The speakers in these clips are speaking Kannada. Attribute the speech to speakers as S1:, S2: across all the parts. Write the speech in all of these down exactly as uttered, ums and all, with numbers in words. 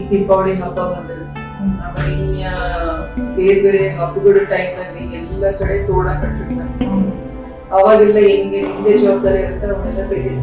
S1: ದೀಪಾವಳಿ ಹಬ್ಬ ಬಂದ್ರೆ ಆಮೇಲೆ ಇನ್ಯ ಬೇರೆ ಬೇರೆ ಹಬ್ಬಗಳ ಟೈಮ್ ನಲ್ಲಿ ಎಲ್ಲ ಕಡೆ ತೋಡ ಕಟ್ಟಿರ್ತಾರೆ. ಅವಾಗೆಲ್ಲ ಹೆಂಗೆ ಹಿಂದೆ ಜವಾಬ್ದಾರಿ ಇರುತ್ತೆ ಅವನ್ನೆಲ್ಲ ತೆಗೆದು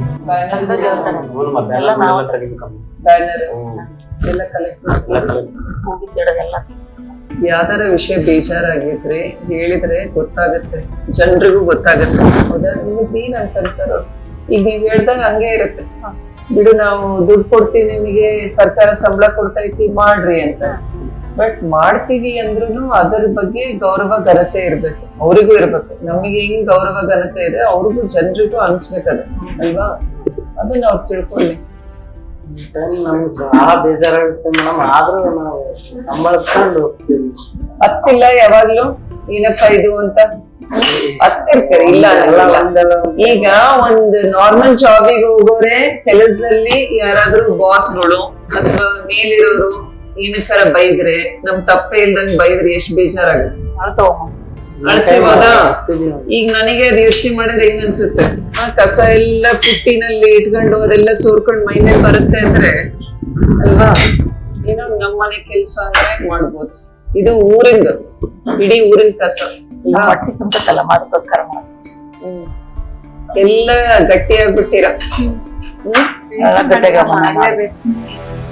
S1: ಬ್ಯಾನರ್ ಎಲ್ಲ ಕಲೆಕ್ಟ್
S2: ಹೋಗಿದ್ದೆಲ್ಲ
S3: ಯಾವ್ದಾರ ವಿಷಯ ಬೇಜಾರಾಗಿದ್ರೆ ಹೇಳಿದ್ರೆ ಗೊತ್ತಾಗುತ್ತೆ, ಜನರಿಗೂ ಗೊತ್ತಾಗುತ್ತೆ. ಹೌದಾ? ನಿಮಗ್ ಏನ್ ಅಂತಂತಾರೋ ಈಗ ನೀವ್ ಹೇಳ್ದಾಗ ಹಂಗೆ ಇರುತ್ತೆ, ಬಿಡು ನಾವು ದುಡ್ಡು ಕೊಡ್ತೀವಿ ನಿಮಗೆ, ಸರ್ಕಾರ ಸಂಬಳ ಕೊಡ್ತೈತಿ ಮಾಡ್ರಿ ಅಂತ. ಬಟ್ ಮಾಡ್ತೀವಿ ಅಂದ್ರೂ ಅದ್ರ ಬಗ್ಗೆ ಗೌರವ ಘನತೆ ಇರ್ಬೇಕು, ಅವ್ರಿಗೂ ಇರ್ಬೇಕು. ನಮಗೆ ಹೆಂಗ್ ಗೌರವ ಘನತೆ ಇದೆ ಅವ್ರಿಗೂ ಜನರಿಗೂ ಅನ್ಸ್ಬೇಕದ ಅಲ್ವಾ? ಅದನ್ನ ಅವ್ರು ತಿಳ್ಕೊಳ್ಳಿ.
S2: ನಮ್ಗೆ ಬಹಳ ಬೇಜಾರಾಗುತ್ತೆ ಮೇಡಮ್, ಆದ್ರೂ ನಾವು ಸಂಭಾಳಿಸ್ಕೊಂಡು ಹೋಗ್ತೀವಿ.
S3: ಹತ್ತಿಲ್ಲ ಯಾವಾಗ್ಲೂ ಏನಪ್ಪ ಇದು ಅಂತ ಹತ್ತಿರ್ತಾರೆ, ಇಲ್ಲ ಅನ್ನಲ್ಲ. ಈಗ ಒಂದ್ ನಾರ್ಮಲ್ ಜಾಬಿಗೆ ಹೋಗೋರೆ ಕೆಲಸದಲ್ಲಿ ಯಾರಾದ್ರೂ ಬಾಸ್ಗಳು ಅಥವಾ ಮೇಲಿರೋರು ಏನಕ್ಕಾರ ಬೈದ್ರೆ, ನಮ್ ತಪ್ಪೇ ಇಲ್ದಂಗ್ ಬೈದ್ರೆ ಎಷ್ಟ್ ಬೇಜಾರಾಗುತ್ತೆ. ಅಳ್ತೀವದಾ? ಈಗ ನನಗೆ ಅದು ಯೋಚನೆ ಮಾಡಿದ್ರೆ ಹೆಂಗ್ ಅನ್ಸುತ್ತೆ, ಆ ಕಸ ಎಲ್ಲ ಪುಟ್ಟಿನಲ್ಲಿ ಇಟ್ಕೊಂಡು ಅದೆಲ್ಲ ಸೋರ್ಕೊಂಡ್ ಮೈಮೇಲೆ ಬರುತ್ತೆ ಅಂದ್ರೆ ಅಲ್ವಾ? ಏನೋ ನಮ್ಮನೆ ಕೆಲ್ಸ ಅಂದ್ರೆ ಮಾಡ್ಬೋದು. ಇದು ಊರಿಂದ, ಇಡೀ ಊರಿನ ಕಸ
S2: ಹೊಟ್ಟೆ ತುಂಬತ್ತಲ್ಲ ಅದಕ್ಕೋಸ್ಕರ
S3: ಹ್ಮ್ ಎಲ್ಲ ಗಟ್ಟಿಯಾಗ್ಬಿಟ್ಟಿರ. ಹ್ಮ್
S2: ಗಟ್ಟಿಯಾಗ